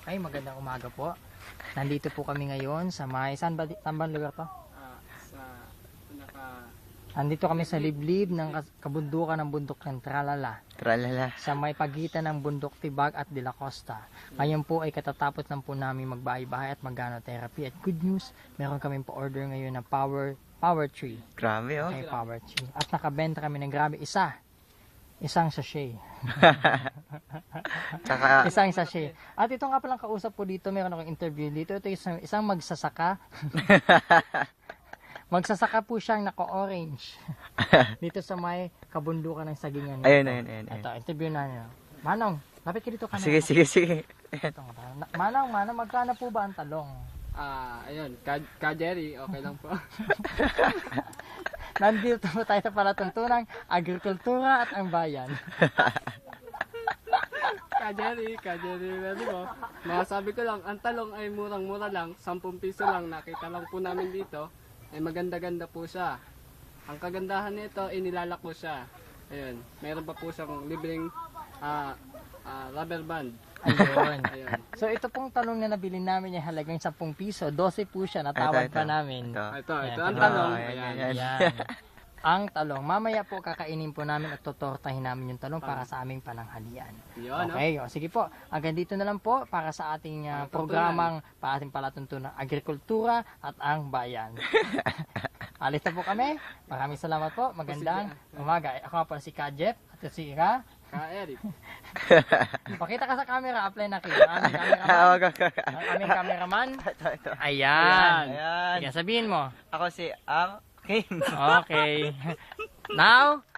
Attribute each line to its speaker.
Speaker 1: Okay, magandang umaga po. Nandito po kami ngayon sa saan ba lugar to?
Speaker 2: Sa naka
Speaker 1: Nandito kami sa liblib ng kabundukan ng bundok ng Tralala.
Speaker 3: Tralala.
Speaker 1: Sa may pagitan ng bundok Tibag at De La Costa. Ngayon po ay katatapos lang po namin magbahay-bahay at mag-therapy. At good news, meron kami pa-order ngayon na power tree.
Speaker 3: Grabe oh.
Speaker 1: Okay, power tree. At nakabenta kami ng grabe isang sachet.
Speaker 3: Tsaka,
Speaker 1: Isang sachet. At ito nga palang kausap po dito, meron akong interview dito. Ito isang magsasaka. Magsasaka po siyang naka-orange. Dito sa may kabundukan ng Sagingan.
Speaker 3: ayun.
Speaker 1: Ito, interview na niyo. Manong, lapit ka dito ka na.
Speaker 3: Sige.
Speaker 1: Ito, Manong, magkano po ba ang talong?
Speaker 2: ayun, ka Jerry, okay lang po.
Speaker 1: Nandito po tayo sa palatuntunang agrikultura at ang bayan.
Speaker 2: ka Jerry, ready mo. Masasabi ko lang, ang talong ay murang-mura lang, 10 piso lang, nakita lang po namin dito. Ay maganda-ganda po siya. Ang kagandahan nito, inilalak mo siya. Ayun, meron pa po siyang libreng rubber band.
Speaker 1: Ayun.
Speaker 2: Ayun.
Speaker 1: So ito pong talong na nabili namin ay halagang 10 piso. 12 po siya, natawad
Speaker 3: Ito.
Speaker 1: pa namin.
Speaker 2: Ito,
Speaker 1: Ayan,
Speaker 2: ang
Speaker 1: ito.
Speaker 2: talong.
Speaker 3: Ayan.
Speaker 1: Yan. Ang talong. Mamaya po kakainin po namin at totortahin namin yung talong para sa aming pananghalian.
Speaker 2: Yun,
Speaker 1: Okay, o sige po. Hanggang dito na lang po para sa ating programang para ating palatuntunan agrikultura at ang bayan. Alis na po kami. Maraming salamat po. Magandang umaga. Ako nga pala si Kajep at si Ira.
Speaker 2: Ka Eric.
Speaker 1: Pakita ka sa camera. Apply na kayo. Ang cameraman. Ang aming cameraman.
Speaker 3: Ito.
Speaker 1: Ayan.
Speaker 3: Ayan.
Speaker 1: Sige, sabihin mo.
Speaker 3: Ako si Ang King.
Speaker 1: Okay. Now,